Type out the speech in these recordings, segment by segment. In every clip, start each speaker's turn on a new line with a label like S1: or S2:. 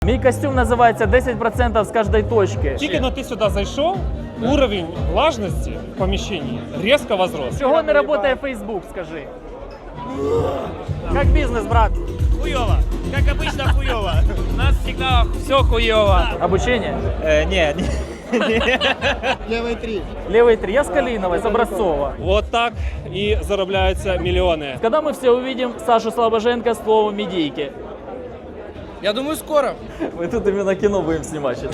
S1: Мій костюм називається 10% з кожної точки.
S2: Тільки но ти сюди зайшов, уровень влажності в поміщенні різко возрос.
S1: Чого не працює Facebook, скажи? Як бізнес, брат?
S3: Хуёво. Как обычно хуёво. У нас всегда все хуёво.
S1: Обучение?
S3: Не.
S1: Левый 3. Я с Калиновой, с Образцова.
S2: Вот так і заробляються мільйони.
S1: Когда мы все увидим Сашу Слобоженко с словом «медийки»?
S3: Я думаю, скоро.
S1: Мы тут именно кино будем снимать сейчас.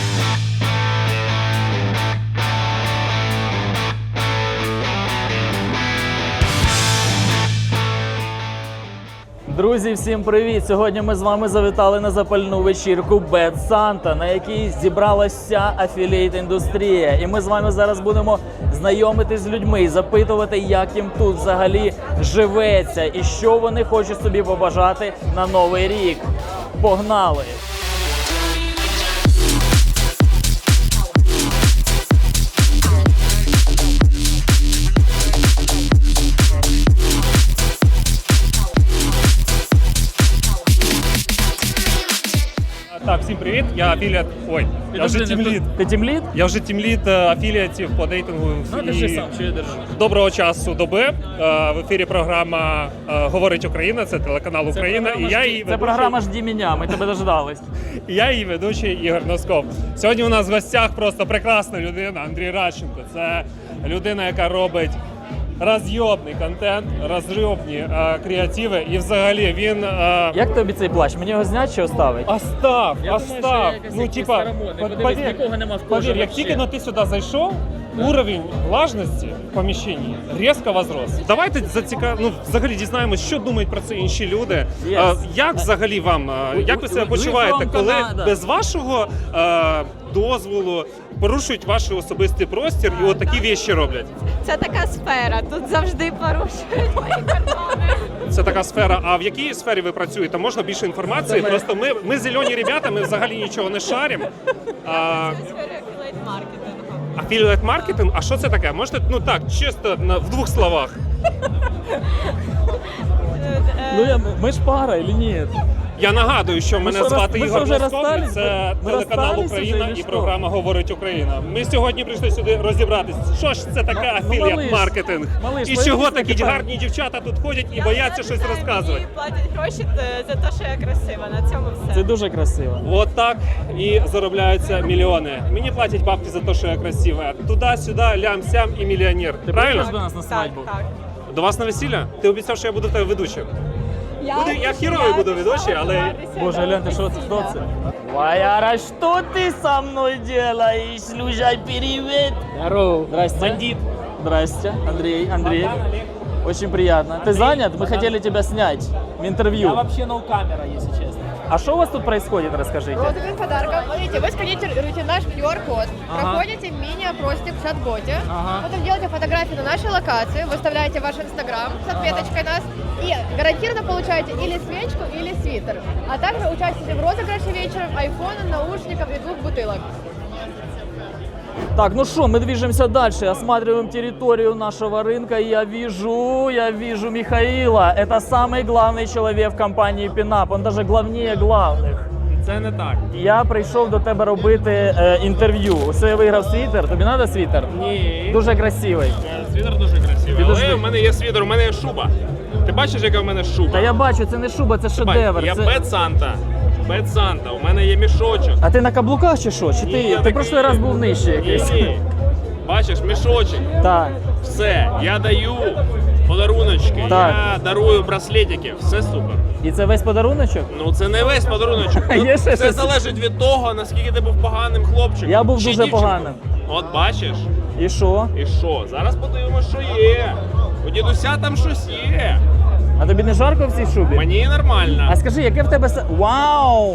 S1: Друзі, всім привіт! Сьогодні ми з вами завітали на запальну вечірку Bad Santa, на якій зібралася вся афілієт-індустрія. І ми з вами зараз будемо знайомитись з людьми і запитувати, як їм тут взагалі живеться і що вони хочуть собі побажати на Новий рік. Погнали!
S2: Так, всім привіт, я афіліат. Ой, я вже тімлід.
S1: Ти тімлід?
S2: Я вже тімлід афіліатів по дейтингу.
S1: Ну, держи сам, що я держу.
S2: Доброго часу доби. В ефірі програма «Говорить Україна», це телеканал Україна. І я її
S1: Це програма «Жді мене», ми тебе дождались.
S2: І я її ведучий Ігор Носков. Сьогодні у нас в гостях просто прекрасна людина Андрій Радченко. Це людина, яка робить розйобний контент, розйобні креативи. І взагалі він...
S1: Як тобі цей плащ? Мені його зняти чи оставить?
S2: Остав. Ну, типа,
S1: нікого нема в
S2: повір, як тільки но ти сюди зайшов, уровень влажності в поміщенні різко возрос. Давайте взагалі дізнаємось, що думають про це інші люди. Як взагалі вам, як ви себе почуваєте, коли без вашого дозволу порушують ваш особистий простір і отакі вещі роблять?
S4: Це така сфера, тут завжди порушують мої кордони.
S2: Це така сфера. А в якій сфері ви працюєте? Можна більше інформації? Просто ми зелені ребята, ми взагалі нічого не шаримо.
S4: Це сфера афілейт-маркетингу.
S2: Афілієт-маркетинг? А що це таке? Можете, чисто в двох словах?
S1: Ми ж пара, или ні?
S2: Я нагадую, що мене звати Ігор Носков, це телеканал Україна і
S1: що?
S2: програма «Говорить Україна». Ми сьогодні прийшли сюди розібратися, що ж це таке афілієт-маркетинг, і чого такі гарні дівчата тут ходять і бояться щось розказувати.
S4: Мені платять гроші за те, що я красива, на цьому все.
S1: Це дуже красиво.
S2: От так і заробляються мільйони. Мені платять бабки за те, що я красива. Туди-сюди, лям-сям і мільйонер.
S1: Ти
S2: Правильно?
S1: прийдеш до нас на свадьбу?
S4: Так.
S2: До вас на весілля? Ти обіцяв, що я буду тебе ведучим. Я херовий буду ведучий, але...
S1: Боже, гляньте, що це? Ваяра, что ты со мной делаешь? Люжай, привет! Здорово. Здрасте.
S2: Бандит.
S1: Здрасте, Андрей. Очень приятно. Ты занят? Мы хотели тебя снять в интервью.
S3: Я вообще ноу-камера, если честно.
S1: А что у вас тут происходит, расскажите?
S5: Вот один подарок. Смотрите, вы сканируете наш QR-код, проходите мини-опросник в чат-боте, потом делаете фотографии на нашей локации, выставляете ваш инстаграм с отметочкой нас и гарантированно получаете или свечку, или свитер. А также участвуете в розыгрыше вечером айфона, наушников и 2 бутылок.
S1: Так, ну что, мы движемся дальше, осматриваем территорию нашего рынка, и я вижу Михаила. Это самый главный человек в компании Пінап, он даже главнее главных.
S2: Це не так.
S1: Я прийшов до тебе робити інтерв'ю. Усе, я виграв світер. Тобі треба світер?
S6: Ні.
S1: Дуже красивий.
S6: Світер дуже красивий.
S1: Підожди.
S6: Але в мене є світер, у мене є шуба. Ти бачиш, яка в мене шуба?
S1: Та я бачу, це не шуба, це шедевр.
S6: Я
S1: Це...
S6: Bad Santa. Bad Santa. У мене є мішочок.
S1: А ти на каблуках чи що? Чи
S6: Ні,
S1: ти,
S6: я
S1: ти
S6: такий-
S1: прошлий раз був нижче якийсь?
S6: Ні. Бачиш, мішочок.
S1: Так.
S6: Все. Я даю подаруночки.
S1: Так.
S6: Я дарую браслетики. Все супер.
S1: І це весь подаруночок?
S6: Ну це не весь подаруночок. Тут
S1: Є ще
S6: все
S1: щось?
S6: залежить від того, наскільки ти був поганим хлопчиком.
S1: Я був
S6: чи
S1: дуже
S6: дівчинкою.
S1: поганим.
S6: От бачиш?
S1: І що?
S6: І що? Зараз подивимося, що є. У дідуся там щось є.
S1: А тобі не жарко в цій шубі?
S6: Мені нормально.
S1: А скажи, яке в тебе... Вау!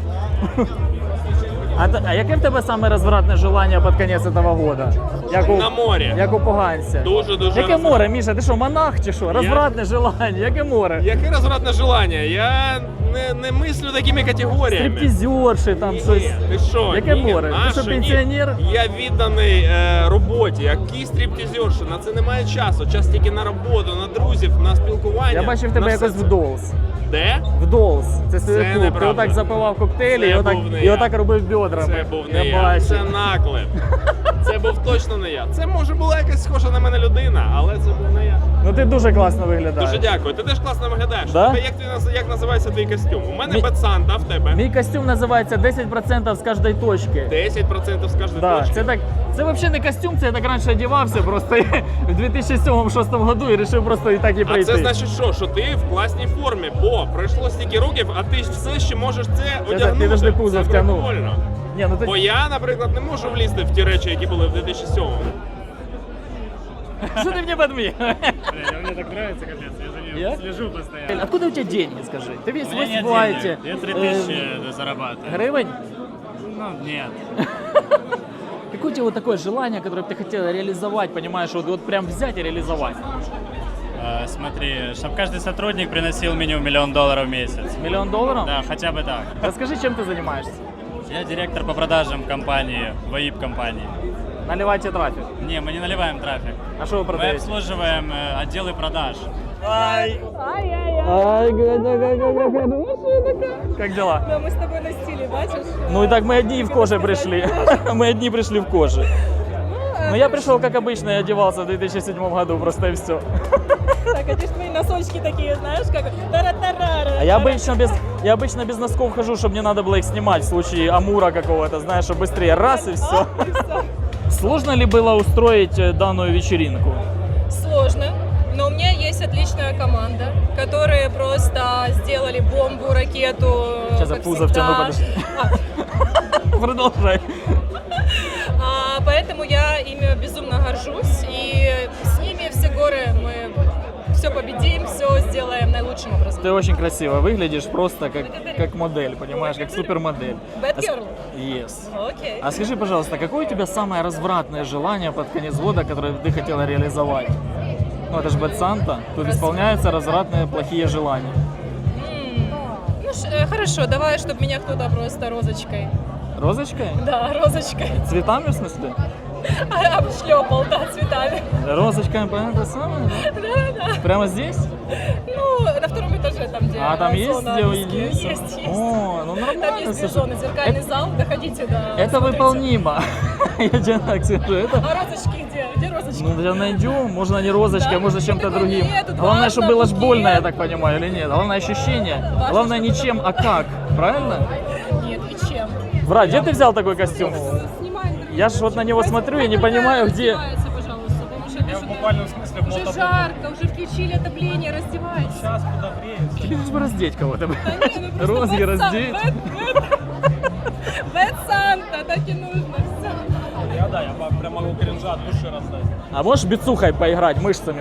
S1: А яке в тебе саме розвратне желання під кінець цього года?
S6: На морі.
S1: Як у поганця.
S6: Дуже-дуже
S1: Яке море, Міша? Ти що, монах чи що? Розвратне желання, яке море?
S6: Яке розвратне желання? Я не мислю такими категоріями.
S1: Стриптизерші там щось.
S6: Ні, ти що?
S1: Яке
S6: Ні,
S1: море? Ти
S6: наше,
S1: що,
S6: ні.
S1: пенсіонер?
S6: Я відданий роботі. Який стриптизерші? На це немає часу. Час тільки на роботу, на друзів, на спілкування.
S1: Я бачив тебе
S6: на
S1: якось
S6: все це.
S1: в Dolls.
S6: Де?
S1: В Dolls. Це свій
S6: Це
S1: клуб. Ти
S6: неправда.
S1: отак запивав коктейлі
S6: Це
S1: і отак,
S6: був не
S1: і
S6: я.
S1: отак робив бедрами.
S6: Це був не я.
S1: бачу.
S6: Це наклеп. Це був точно не я. Це може була якась схожа на мене людина, але це був не я.
S1: Ну ти дуже класно виглядаєш.
S6: Дуже дякую. Ти теж класно виглядаєш.
S1: Да?
S6: Тебе як називається твій костюм? У мене Bad Santa, а в тебе?
S1: Мій костюм називається 10% з кожної точки.
S6: 10% з кожної
S1: Да,
S6: точки.
S1: це взагалі не костюм, це я так раніше одягався просто в 2007-2006 году і вирішив просто і так і
S6: А
S1: прийти.
S6: це значить що ти в класній формі, бо пройшло стільки років, а ти все ще можеш це одягнути.
S1: ти завжди пузо
S6: Це
S1: втягнув.
S6: прикольно.
S1: Ні, ну ти...
S6: Бо я, наприклад, не можу влізти в ті речі, які були в 2007-му.
S1: Что ты мне подмиг?
S3: Мне так нравится, капец, я за ним
S1: Я?
S3: слежу постоянно.
S1: Откуда у тебя деньги, скажи? Ты весь
S3: У меня нет
S1: в лайте.
S3: денег, я 3000 зарабатываю.
S1: Гривень?
S3: Ну, нет.
S1: Какое у тебя вот такое желание, которое бы ты хотел реализовать, понимаешь, вот прям взять и реализовать?
S3: Смотри, чтобы каждый сотрудник приносил минимум $1 миллион в месяц.
S1: $1 миллион?
S3: Да, хотя бы так.
S1: Расскажи, чем ты занимаешься?
S3: Я директор по продажам компании, ВАИП-компании.
S1: Наливайте трафик.
S3: Не, мы не наливаем трафик.
S1: А что вы
S3: Мы
S1: продаете?
S3: обслуживаем отделы продаж.
S1: Ай, как дела?
S7: Да, мы с тобой на стиле, бачишь?
S1: Ну и так мы одни в коже пришли. Мы одни пришли в коже. Но я пришел, как обычно, я одевался в 2007 году, просто и все.
S7: Так, а ты ж твои носочки такие, знаешь, как тара-тарара.
S1: А я обычно без носков хожу, чтобы не надо было их снимать в случае амура какого-то, знаешь, чтобы быстрее раз и все. Сложно ли было устроить данную вечеринку?
S7: Сложно, но у меня есть отличная команда, которые просто сделали бомбу, ракету.
S1: Сейчас я
S7: как
S1: пузо
S7: всегда.
S1: втяну, подожди. Продолжай.
S7: Поэтому я ими безумно горжусь, и с ними все горы мы все победим, все сделаем наилучшим образом.
S1: Ты очень красиво выглядишь, просто как модель, понимаешь, как супермодель.
S7: Bad girl?
S1: Yes.
S7: Окей.
S1: А скажи, пожалуйста, какое у тебя самое развратное желание под конец года, которое ты хотела реализовать? Ну, это же Bad Santa, тут исполняются развратные плохие желания.
S7: Ну, хорошо, давай, чтобы меня кто-то просто розочкой.
S1: Розочкой?
S7: Да, розочкой.
S1: Цветами, в смысле?
S7: Обшлепал, да, цветами.
S1: Розочками, понятно, это самое?
S7: Да.
S1: Прямо здесь?
S7: Ну, на втором этаже, там, где
S1: А, там есть
S7: зона
S1: где
S7: виски.
S1: уединиться?
S7: Есть.
S1: О, ну
S7: Там
S1: нормально,
S7: есть
S1: слушай.
S7: движеный зеркальный зал, доходите до...
S1: Это
S7: смотрите.
S1: выполнимо. Я тебе так скажу, это...
S7: А розочки где? Где розочки?
S1: Ну, да найдем, можно не розочкой,
S7: Да?
S1: а можно чем-то
S7: Ну,
S1: другим.
S7: нет, тут
S1: Главное,
S7: важно
S1: чтобы было ж
S7: букет.
S1: больно, я так понимаю, или нет? Главное ощущение.
S7: Важно,
S1: Главное не
S7: чтобы
S1: чем,
S7: было
S1: а как. Правильно?
S7: Нет, и чем?
S1: Брат, где ты взял такой костюм?
S7: Снимаем.
S1: Я ж вот на него смотрю и не понимаю, где...
S7: Раздевается, пожалуйста, потому что это
S2: В буквальном смысле в
S7: уже жарко, уже включили отопление, раздевайся.
S2: Сейчас подогреется.
S1: Лишь бы раздеть кого-то.
S7: Да не, ну просто
S1: Розги
S7: Bad
S1: раздеть.
S7: Bad Santa, так и нужно. Всё.
S2: Я прям могу кринжа от души раздать.
S1: А можешь бицухой поиграть, мышцами?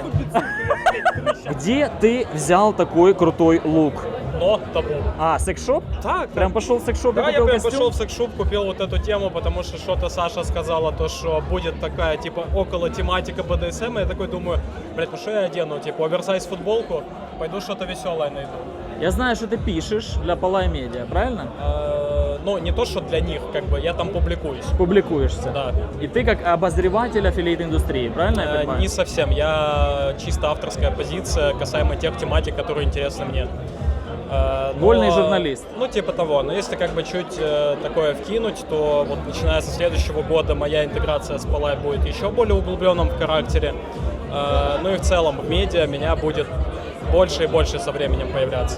S1: Где ты взял такой крутой лук?
S8: Но табу.
S1: А, секс-шоп?
S8: Так,
S1: Прям пошел в секс-шоп и
S8: да, я
S1: купил
S8: прям
S1: костюм?
S8: пошел в секс-шоп, купил вот эту тему, потому что что-то Саша сказала, то, что будет такая, типа, около тематика БДСМ, и я такой думаю, блядь, ну что я одену, типа, оверсайз футболку, пойду что-то веселое найду.
S1: Я знаю, что ты пишешь для Полай Медиа, правильно?
S8: Ну, не то, что для них, как бы, я там публикуюсь.
S1: Публикуешься.
S8: Да.
S1: И ты как обозреватель аффилейт-индустрии, правильно я понимаю?
S8: Не совсем, я чисто авторская позиция касаемо тех тематик, которые интересны мне.
S1: Вольный журналист.
S8: Ну, типа того. Но если как бы чуть такое вкинуть, то вот начиная со следующего года моя интеграция с Полай будет еще более углубленным в характере. Ну и в целом в медиа меня будет больше и больше со временем появляться.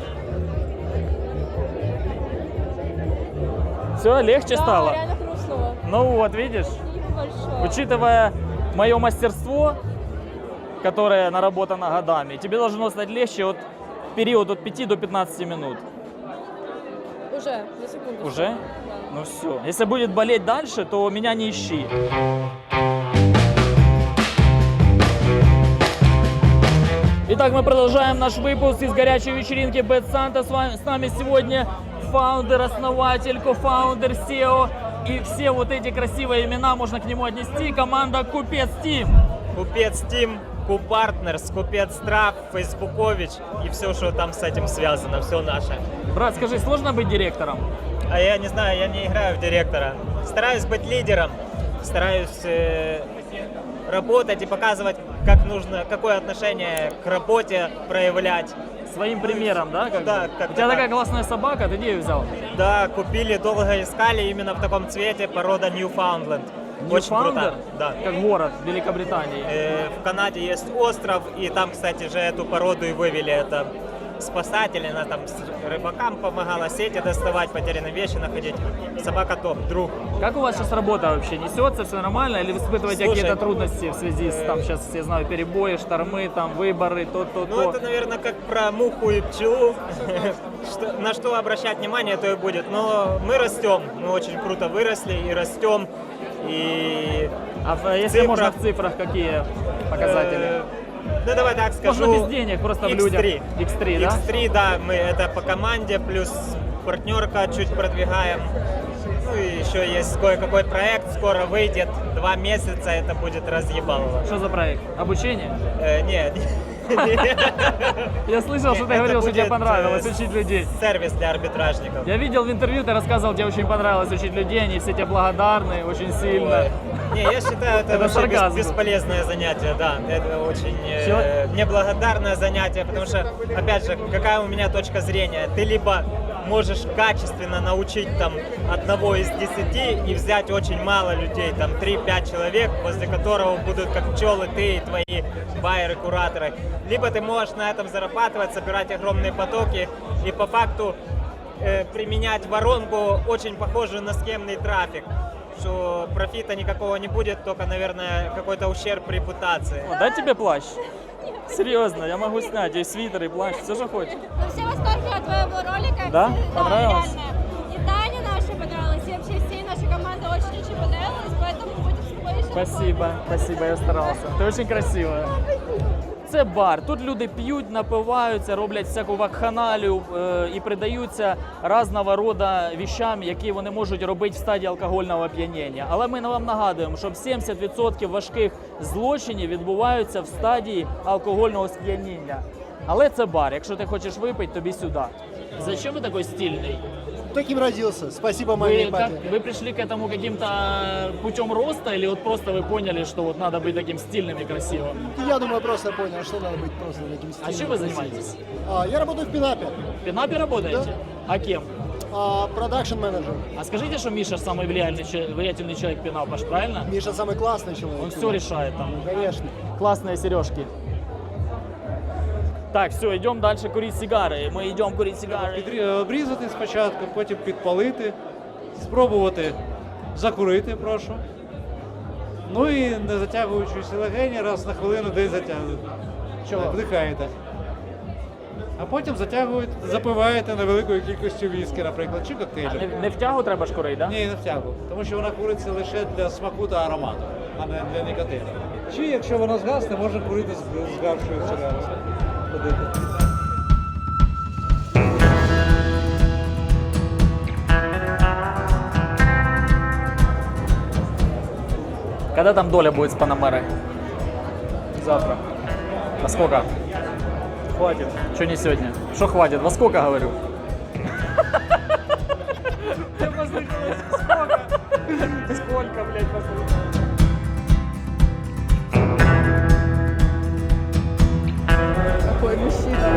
S1: Все, легче стало?
S7: реально хрустнуло.
S1: Ну вот, видишь?
S7: Большое.
S1: Учитывая мое мастерство, которое наработано годами, тебе должно стать легче от период от 5 до 15 минут.
S7: Уже, за секунду.
S1: Уже?
S7: Да.
S1: Ну все. Если будет болеть дальше, то меня не ищи. Итак, мы продолжаем наш выпуск из горячей вечеринки Bad Santa. С нами сегодня фаундер, основатель, кофаундер, SEO. И все вот эти красивые имена можно к нему отнести. Команда Купец Тим.
S9: Купец Тим, Купартнерс, Купец Трав, Фейсбукович и все, что там с этим связано, все наше.
S1: Брат, скажи, сложно быть директором?
S9: А я не знаю, я не играю в директора. Стараюсь быть лидером, стараюсь работать и показывать как нужно, какое отношение к работе проявлять.
S1: Своим примером, да? Как
S9: Да,
S1: бы?
S9: как-то
S1: У тебя
S9: так.
S1: такая классная собака, ты где ее взял?
S9: Да, купили, долго искали именно в таком цвете, порода Newfoundland. Очень
S1: Newfoundland?
S9: круто. Да.
S1: Как город в Великобритании.
S9: В Канаде есть остров, и там, кстати же, эту породу и вывели. Это спасатели, она там с рыбакам помогала сети доставать, потерянные вещи находить. Собака топ, друг.
S1: Как у вас сейчас работа вообще? Несется, все нормально? Или вы испытываете
S9: Слушай,
S1: какие-то трудности в связи с, там, сейчас все знаю, перебои, штормы, там, выборы, то?
S9: Ну, это, наверное, как про муху и пчелу. На что обращать внимание, то и будет. Но мы растем, мы очень круто выросли и растем. И
S1: Если
S9: цифрах-
S1: можно, в цифрах какие показатели?
S9: Ну, давай так скажу.
S1: Можно без денег, просто в людях. X3, да?
S9: X3, да, мы это по команде, плюс партнерка чуть продвигаем. Ну и еще есть кое-какой проект, скоро выйдет, 2 месяца, это будет разъебалово.
S1: Что за проект? Обучение?
S9: Нет.
S1: Я слышал, что ты
S9: Это
S1: говорил, что тебе
S9: будет,
S1: понравилось учить людей.
S9: Сервис для арбитражников.
S1: Я видел в интервью, ты рассказывал, тебе очень понравилось учить людей, они все тебе благодарны, очень сильно.
S9: Не, я считаю, это
S1: Это
S9: вообще
S1: сарказм.
S9: бесполезное занятие, да. Это очень
S1: Чего?
S9: неблагодарное занятие, потому что, опять же, какая у меня точка зрения? Ты либо можешь качественно научить там 1 из 10 и взять очень мало людей, там 3-5 человек, возле которого будут как пчелы ты и твои байеры, кураторы. Либо ты можешь на этом зарабатывать, собирать огромные потоки и по факту применять воронку, очень похожую на схемный трафик, что профита никакого не будет, только, наверное, какой-то ущерб репутации.
S1: О, дай тебе плащ. Серьезно, я могу снять и свитер, и плащ, все, что хочешь.
S10: Мы все в восторге от твоего ролика.
S1: Да?
S10: Все-
S1: Понравилось?
S10: реально. И Таня наша понравилась, и вообще всей нашей команды очень-очень понравилось, поэтому будем с тобой еще
S1: Спасибо, я старался. Ти дуже красива. Це бар. Тут люди п'ють, напиваються, роблять всяку вакханалію і придаються різного роду віщам, які вони можуть робити в стадії алкогольного оп'яніння. Але ми вам нагадуємо, що 70% важких злочинів відбуваються в стадії алкогольного сп'яніння. Але це бар. Якщо ти хочеш випити, тобі сюди. Зачем ви такий стильний?
S11: Таким родился. Спасибо маме и папе.
S1: Вы пришли к этому каким-то путем роста или вот просто вы поняли, что вот надо быть таким стильным и красивым?
S11: Я думаю, просто понял, что надо быть просто таким
S1: А
S11: стильным.
S1: чем вы занимаетесь?
S11: Я работаю в Пинапе.
S1: В Пинапе работаете?
S11: Да.
S1: А кем?
S11: Продакшн менеджер.
S1: А скажите, что Миша самый влиятельный человек Пинапа, ж, правильно?
S11: Миша самый классный человек.
S1: Он все решает там.
S11: Конечно.
S1: Классные сережки. Так, все, йдемо далі курити сигари. Ми йдемо курити сигари.
S12: Обрізати спочатку, потім підпалити, спробувати закурити, прошу. Ну і не затягуючись легені, раз на хвилину десь затягуєте.
S1: Чого?
S12: Вдихаєте. А потім затягуєте, запиваєте невеликою кількістю віскі, наприклад, чи коктейлю.
S1: Не в тягу треба ж курити, так?
S12: Ні, не в тягу, тому що вона куриться лише для смаку та аромату, а не для нікотину. Чи якщо вона згасне, можна курити з гаршою сигарою.
S1: Когда там доля будет с Панамерой? Завтра. Во сколько? Хватит. Что не сегодня? Что хватит? Во сколько, говорю? Сколько, блядь,
S4: Какой мужчина.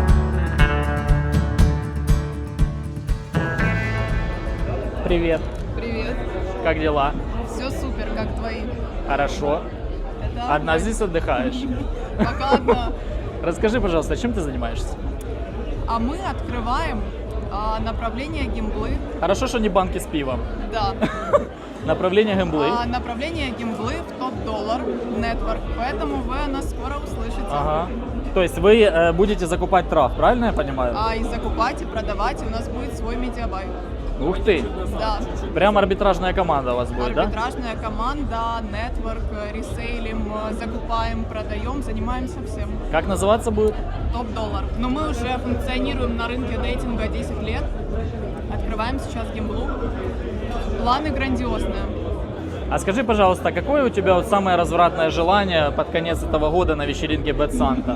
S1: Привет.
S4: Привет.
S1: Как дела?
S4: Все супер, как твои?
S1: Хорошо.
S4: Это
S1: Одна здесь отдыхаешь?
S4: пока одна.
S1: Расскажи, пожалуйста, чем ты занимаешься?
S4: А мы открываем направление гимблы.
S1: Хорошо, что не банки с пивом.
S4: Да.
S1: Направление гемблы.
S4: Направление гимблы в топ-доллар нетворк. Поэтому вы о нас скоро услышите.
S1: Ага. То есть вы будете закупать трав, правильно я понимаю?
S4: И закупать, и продавать. И у нас будет свой медиабай.
S1: Ух ты!
S4: Да.
S1: Прям арбитражная команда у вас будет, да?
S4: Арбитражная команда, нетворк, ресейлим, закупаем, продаем, занимаемся всем.
S1: Как называться будет?
S4: Топ-доллар. Но мы уже функционируем на рынке дейтинга 10 лет. Открываем сейчас гимблу. Планы грандиозные.
S1: А скажи, пожалуйста, какое у тебя вот самое развратное желание под конец этого года на вечеринке Bad Santa?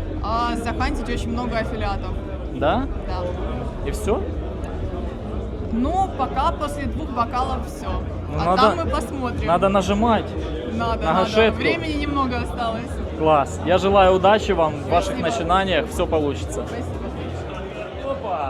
S4: Захантить очень много аффилиатов.
S1: Да?
S4: Да.
S1: И все?
S4: Ну, пока после 2 бокалов все.
S1: Ну,
S4: А
S1: надо-
S4: там мы посмотрим.
S1: Надо нажимать.
S4: Надо,
S1: на
S4: надо.
S1: гашетку.
S4: Времени немного осталось.
S1: Класс. Я желаю удачи вам в ваших начинаниях. Все получится. Опа.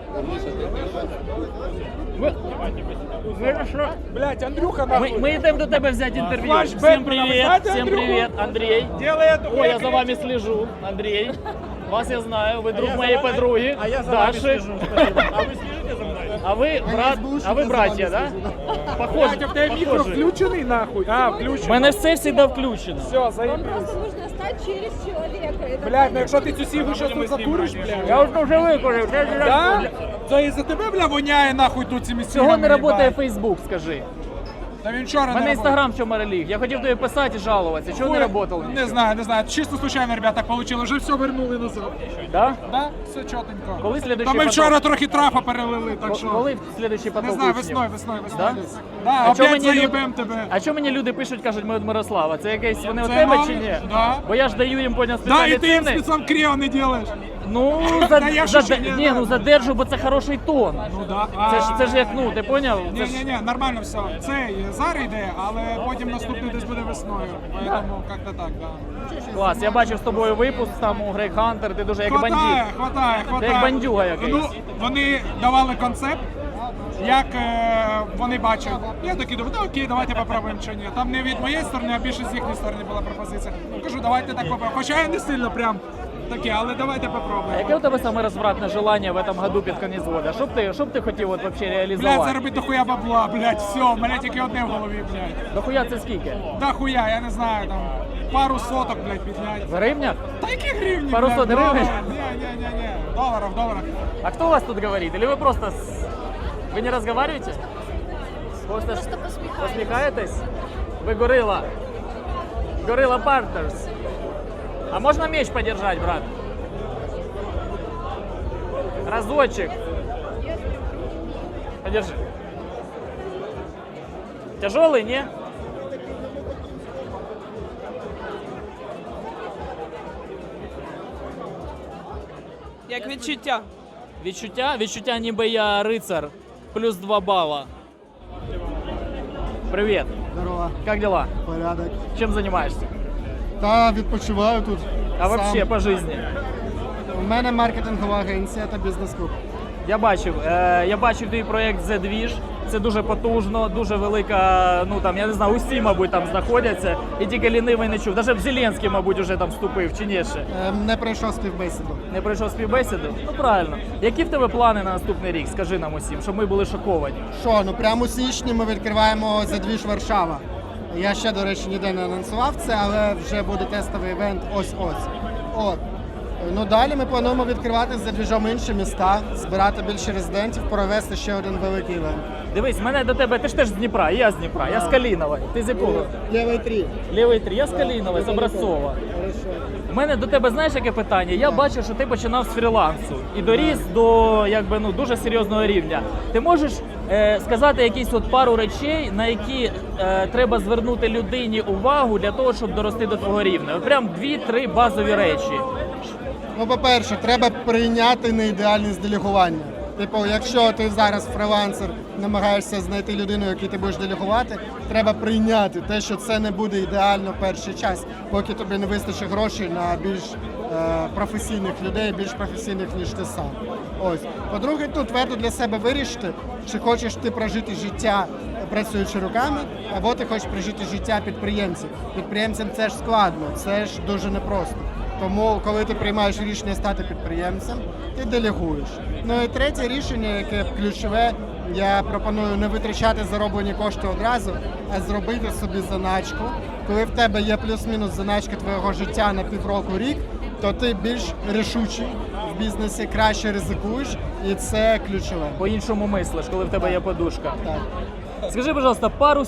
S3: Блять, Андрюха,
S1: Ми йдемо до тебе взяти інтерв'ю.
S3: Флешбек,
S1: Всім
S3: ви
S1: привіт,
S3: знаєте
S1: всім
S3: Андрюху?
S1: привіт, Андрій.
S3: Делай эту
S1: О, я за вами слежу, Андрій. Вас я знаю, ви друг моєї подруги, Даши.
S3: А ви слежите за мною?
S1: А ви брат, а ви братья, да? Похоже.
S3: Блять, а в тебе мікро включений нахуй? А,
S1: У
S3: включений.
S1: мене все завжди включено.
S3: Все, заебись.
S10: Просто нужно стать через человека. Это
S3: Блять, ну якщо ти цю сігу щас тут закуриш, блядь.
S1: Я вже викурив.
S3: Да? То із-за тебе, бля, воняє нахуй тут цими сігами.
S1: Чого не працює
S3: їбать.
S1: Фейсбук, скажи?
S3: Та він вчора
S1: У мене
S3: не
S1: інстаграм в чому реліг. Я хотів тобі писати і жалуватися. Чого не працював?
S3: Не знаю. Чисто случайно, ребята, так получилось. Вже все вернули назад.
S1: Да?
S3: Да? Все чотенько.
S1: Коли
S3: Та
S1: слідуючий
S3: ми
S1: поток?
S3: вчора трохи трафа перелили, так що...
S1: Коли слідуючий поток
S3: Не знаю,
S1: учнів?
S3: весною
S1: Да?
S3: десь. Да,
S1: А чого
S3: опять
S1: мені
S3: заїбем тебе.
S1: А чому мені люди пишуть, кажуть, ми від Мирослава? Це якесь вони у
S3: Це
S1: тебе
S3: нові?
S1: чи ні?
S3: Да.
S1: Бо я ж даю їм поняв
S3: Да,
S1: спеціальні
S3: і ти їм
S1: ціни.
S3: спецом кріо не делаєш.
S1: Ну,
S3: Та я шучу, ні,
S1: ну задержу, бо це хороший тон.
S3: Ну да.
S1: Це ж як, ну, ти поняв? Це ж-
S3: Ні, нормально все. Це зараз йде, але потім наступний десь буде весною. Поэтому як-то так, да.
S1: Клас, я бачив з тобою випуск там у Грейк Хантер, ти дуже як бандит.
S3: Хватає.
S1: Ти як бандюга якийсь.
S3: Ну, вони давали концепт, як вони бачать. Я такий думаю, ну окей, давайте попробуємо чи ні. Там не від моєї сторони, а більше з їхньої сторони була пропозиція. Кажу, давайте так попробуємо. Хоча я не сильно прям таке, але давайте
S1: А
S3: попробуємо.
S1: яке у тебе саме розвратне желання в этом году під кінець года? Що б ти хотів от вообще
S3: Блядь,
S1: реалізувати?
S3: заробити дохуя бабла, блядь, все, у мене тільки одне в голові, блядь.
S1: Дохуя це скільки?
S3: Да хуя, я не знаю, там, пару соток, блядь, піднять.
S1: В гривнях?
S3: Та які гривні,
S1: Пару
S3: блядь,
S1: сот гривень?
S3: Ні, долларов.
S1: А кто у вас тут говорит? Или вы просто... Вы не разговариваете? Просто посмехаетесь? Вы горилла. Горилла Партнерс. А можно меч подержать, брат? Разочек. Подержи. Тяжелый, не?
S7: Як відчуття?
S1: Відчуття ніби я рицар. Плюс 2 бала. Привет.
S11: Здорово.
S1: Как дела?
S11: Порядок.
S1: Чем занимаешься?
S11: Та відпочиваю тут.
S1: А
S11: сам.
S1: вообще по жизни?
S11: У мене маркетингова агенція та бізнес-клуб.
S1: Я бачив твій проєкт The Двіж. Це дуже потужно, дуже велика, ну там, я не знаю, усі, мабуть, там знаходяться. І тільки лінивий не чув. Навіть Зеленський, мабуть, уже там вступив, чи ні ще?
S11: Не пройшов співбесіду.
S1: Не пройшов співбесіду? Ну правильно. Які в тебе плани на наступний рік? Скажи нам усім, щоб ми були шоковані.
S11: Що, ну прямо у січні ми відкриваємо «Задвіж Варшава». Я ще, до речі, ніде не анонсував це, але вже буде тестовий івент ось-ось. От. Ну далі ми плануємо відкривати за двіжом інші міста, збирати більше резидентів, провести ще один великий івент.
S1: Дивись, мене до тебе, ти ж теж з Дніпра, і я з Дніпра, я з Калінової. Ти з якого?
S11: Лівий 3.
S1: Лівий 3, я з Калінової, з Образцова. У мене до тебе, знаєш, яке питання? Я бачив, що ти починав з фрілансу і доріс до якби, ну, дуже серйозного рівня. Ти можеш сказати якісь от пару речей, на які треба звернути людині увагу для того, щоб дорости до твого рівня? От прям 2-3 базові речі.
S11: Ну, по-перше, треба прийняти неідеальність делегування. Типу, якщо ти зараз фрилансер, намагаєшся знайти людину, яку ти будеш делегувати, треба прийняти те, що це не буде ідеально в перший час, поки тобі не вистачить грошей на більш професійних людей, більш професійних, ніж ти сам. Ось. По-друге, тут твердо для себе вирішити, чи хочеш ти прожити життя працюючи руками, або ти хочеш прожити життя підприємців. Підприємцям це ж складно, це ж дуже непросто. Тому, коли ти приймаєш рішення стати підприємцем, ти делегуєш. Ну і третє рішення, яке ключове, я пропоную не витрачати зароблені кошти одразу, а зробити собі заначку. Коли в тебе є плюс-мінус заначка твого життя на півроку-рік, то ти більш рішучий в бізнесі, краще ризикуєш, і це ключове.
S1: По-іншому мислиш, коли в тебе є подушка.
S11: Так.
S1: Скажи, пожалуйста, пару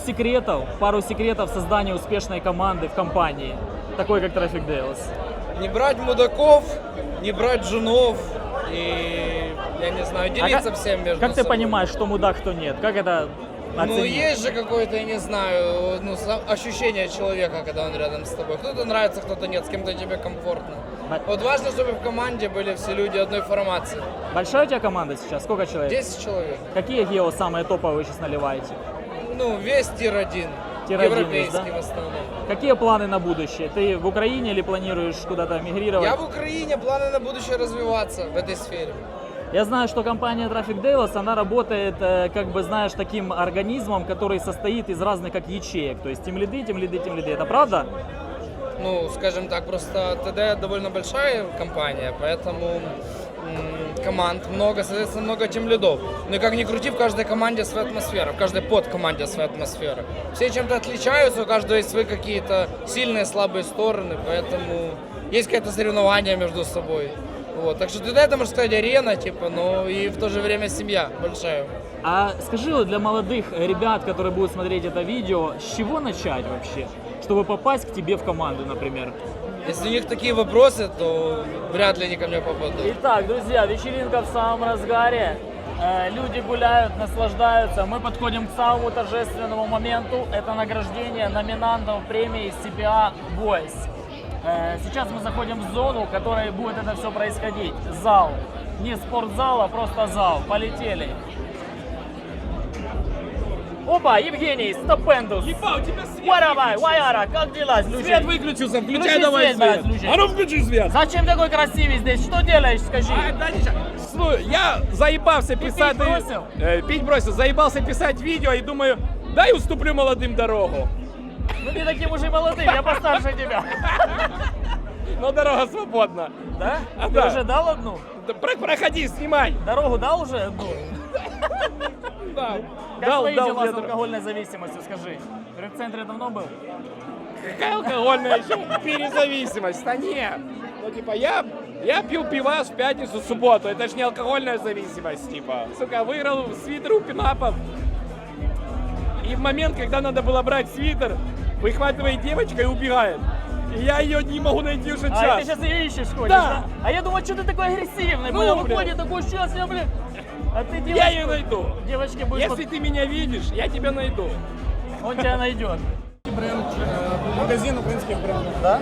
S1: секретов создания успешной команды в компании, такой как Traffic Deals.
S13: Не брать мудаков, не брать женов и, я не знаю, делиться всем между
S1: Как ты
S13: собой.
S1: понимаешь, что мудак, кто нет? Как это о
S13: Ну,
S1: цене?
S13: есть же какое-то, я не знаю, ну, ощущение человека, когда он рядом с тобой. Кто-то нравится, кто-то нет, с кем-то тебе комфортно. Вот важно, чтобы в команде были все люди одной формации.
S1: Большая у тебя команда сейчас? Сколько человек?
S13: 10 человек.
S1: Какие гео самые топовые вы сейчас наливаете?
S13: Ну, весь тир-1.
S1: Тир-1
S13: Европейский
S1: есть, да?
S13: в основном.
S1: Какие планы на будущее? Ты в Украине или планируешь куда-то мигрировать?
S13: Я в Украине, планы на будущее развиваться в этой сфере.
S1: Я знаю, что компания Traffic Delos, она работает, как бы, знаешь, таким организмом, который состоит из разных как ячеек. То есть тимлиды. Это правда?
S13: Ну, скажем так, просто ТД довольно большая компания, поэтому команд много, соответственно, много тимлидов. Но и как ни крути, в каждой команде своя атмосфера, в каждой подкоманде своя атмосфера. Все чем-то отличаются, у каждого есть свои какие-то сильные, слабые стороны, поэтому есть какое-то соревнование между собой. Вот. Так что ТД это, можно сказать, арена, типа, но и в то же время семья большая.
S1: А скажи, вот для молодых ребят, которые будут смотреть это видео, с чего начать вообще, чтобы попасть к тебе в команду, например?
S13: Если у них такие вопросы, то вряд ли они ко мне попадут.
S1: Итак, друзья, вечеринка в самом разгаре. Люди гуляют, наслаждаются. Мы подходим к самому торжественному моменту. Это награждение номинантов премии CPA Voice. Сейчас мы заходим в зону, в которой будет это все происходить. Зал. Не спортзал, а просто зал. Полетели. Опа, Евгений, Стопендус.
S6: Ебать, у тебя свет
S1: Варабай, Ваяра, как дела?
S6: Свет выключился, включай
S1: Включи
S6: давай
S1: свет, брат,
S6: свет.
S1: включи.
S6: А ну включи свет.
S1: Зачем такой красивый здесь? Что делаешь, скажи?
S6: Да ничего. Слушай, я заебался писать...
S1: пить бросил?
S6: Пить бросил. Заебался писать видео и думаю, дай уступлю молодым дорогу.
S1: Ну не таким уже молодым, я постарше тебя.
S6: Но дорога свободна.
S1: Да?
S6: А,
S1: Ты
S6: да.
S1: уже дал одну?
S6: Да проходи, снимай.
S1: Дорогу дал уже одну?
S6: Да.
S1: Как
S6: Дал,
S1: твои
S6: дал
S1: дела
S6: мне
S1: с
S6: дорогу.
S1: алкогольной зависимостью, скажи? В центре давно был?
S6: Какая алкогольная еще перезависимость? Да нет. Ну, типа, я пил пивас в пятницу, в субботу. Это же не алкогольная зависимость, типа. Сука, выиграл свитер у пинапов. И в момент, когда надо было брать свитер, выхватывает девочка и убегает. И я ее не могу найти уже час.
S1: А, ты сейчас ее ищешь, ходишь,
S6: Да.
S1: да? А я думаю, что ты такой агрессивный,
S6: Ну,
S1: понял?
S6: блин.
S1: Выходит такой, сейчас я, блин. А ты девочку...
S6: Я ее найду.
S1: Девочке будешь...
S6: Если ты меня видишь, я тебя найду.
S1: Он тебя найдет.
S3: Магазин украинских брендов. Да?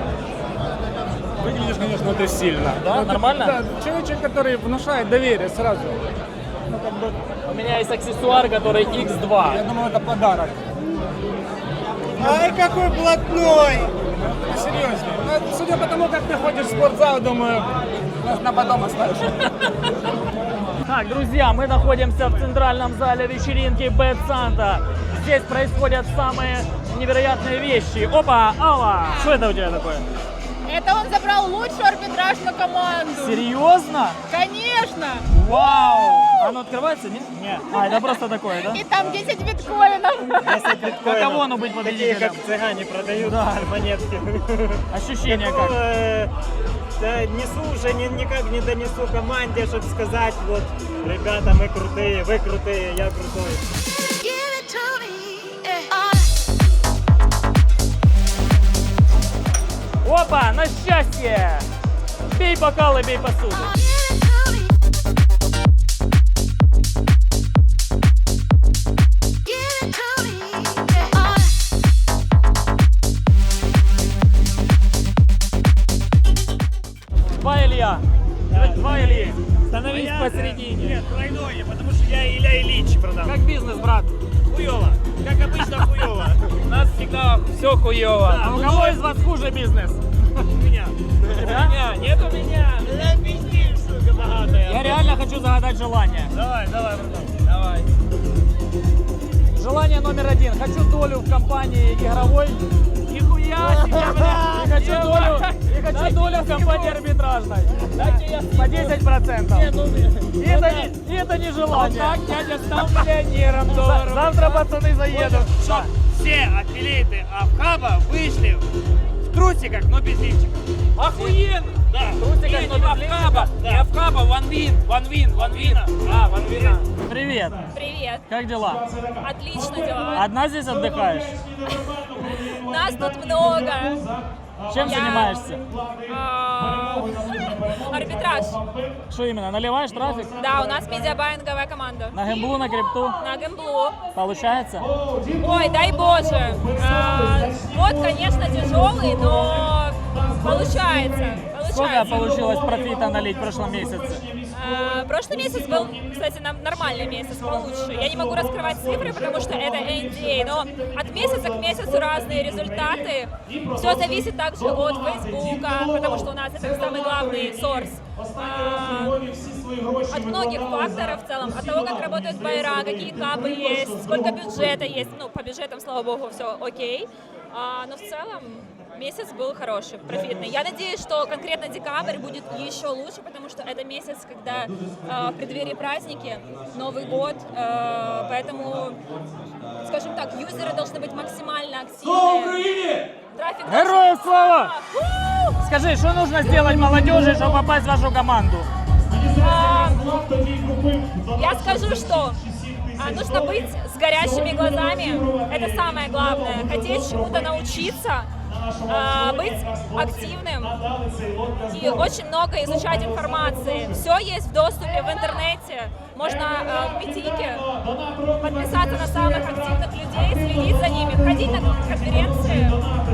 S3: Выглядишь, конечно, ты сильно.
S1: Да? Нормально?
S3: Да, человек, который внушает доверие сразу. Ну, как бы,
S1: У меня есть аксессуар, который X2.
S3: я думаю, это подарок.
S9: Ай, какой блатной!
S3: Серьезно. Ну, судя по тому, как ты ходишь в спортзал, думаю, на потом оставишь.
S1: Так, друзья, мы находимся в центральном зале вечеринки Bad Santa. Здесь происходят самые невероятные вещи. Опа, Алла! Что это у тебя такое?
S4: Это он забрал лучшую арбитражную команду.
S1: Серьезно?
S4: Конечно!
S1: Вау! Оно открывается? Нет? Нет. А, это просто такое, да?
S4: И там 10 биткоинов.
S1: Каково оно быть
S9: Такие,
S1: победителем?
S9: как цыгане продают монетки.
S1: Ощущение
S9: Какого,
S1: как?
S9: да, несу уже никак не донесу команде, чтобы сказать, вот, ребята, мы крутые, вы крутые, я крутой.
S1: Опа, на счастье! Бей бокалы, бей посуду. Два Илья. Два Ильи. Становись посередине.
S8: Нет, тройное, потому что я Илья Ильич продам.
S1: Как бизнес, брат?
S8: Хуёво. Как обычно хуёво.
S6: У нас всегда все хуево.
S1: А у кого из вас хуже бизнес?
S8: У меня.
S1: Да?
S6: Нет у меня.
S8: Да пиздишь, сука, богатая.
S1: Я реально хочу загадать желание.
S8: Давай, братан. Давай.
S1: Желание номер один. Хочу долю в компании игровой.
S8: Нихуя себе, бля.
S1: И хочу долю в компании арбитражной. По 10%. И это не желание.
S6: Так дядя стал миллионером долларов.
S1: Завтра пацаны заедут.
S8: Чтоб все аффилиаты Авхаба вышли в трусиках, но без лифчиков.
S6: Охуенно.
S8: Да.
S1: Трусиках,
S6: Не
S1: но без
S6: Авхаба, не Авхаба, ванвин. А, ванвина.
S1: Привет.
S10: Привет.
S1: Как дела?
S10: Отлично дела.
S1: Одна здесь отдыхаешь?
S10: Нас тут много.
S1: Чем занимаешься?
S10: Арбитраж.
S1: Что именно, наливаешь трафик?
S10: Да, у нас медиабайинговая команда.
S1: На гемблу, на крипту?
S10: На гемблу.
S1: Получается?
S10: Ой, дай боже. Вот, конечно, тяжелый, но получается.
S1: Сколько получилось профита налить в прошлом месяце?
S10: Прошлый месяц был, кстати, нормальный месяц, получше. Я не могу раскрывать цифры, потому что это NDA, но от месяца к месяцу разные результаты. Все зависит также от Фейсбука, потому что у нас это самый главный сорс. От многих факторов в целом, от того, как работают байера, какие капы есть, сколько бюджета есть. Ну, по бюджетам, слава богу, все окей. Но в целом месяц был хороший, профитный. Я надеюсь, что конкретно декабрь будет еще лучше, потому что это месяц, когда в преддверии праздники, Новый год, поэтому, скажем так, юзеры должны быть максимально активны. Трафик
S1: Героям слава! Скажи, что нужно сделать молодежи, чтобы попасть в вашу команду?
S10: Я скажу, что нужно быть с горящими глазами, это самое главное, хотеть чему-то научиться, быть активным и очень много изучать информации. Все есть в доступе в интернете. Можно в Митике подписаться на самых активных людей, следить за ними, ходить на конференции,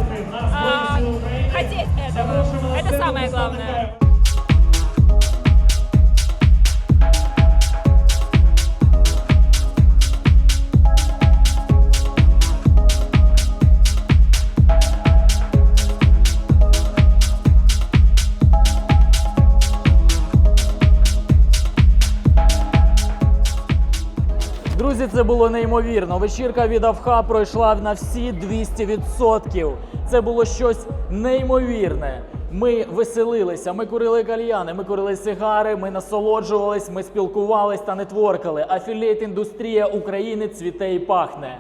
S10: хотеть этого. Это самое главное.
S1: Друзі, це було неймовірно. Вечірка від Авха пройшла на всі 200%. Це було щось неймовірне. Ми веселилися, ми курили кальяни, ми курили сигари, ми насолоджувались, ми спілкувались та нетворкали. Афілієт-індустрія України цвіте і пахне.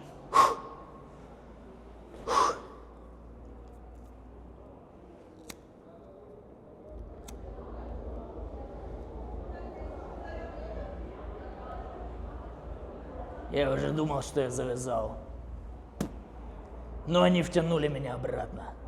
S1: Я уже думал, что я завязал. Но они втянули меня обратно.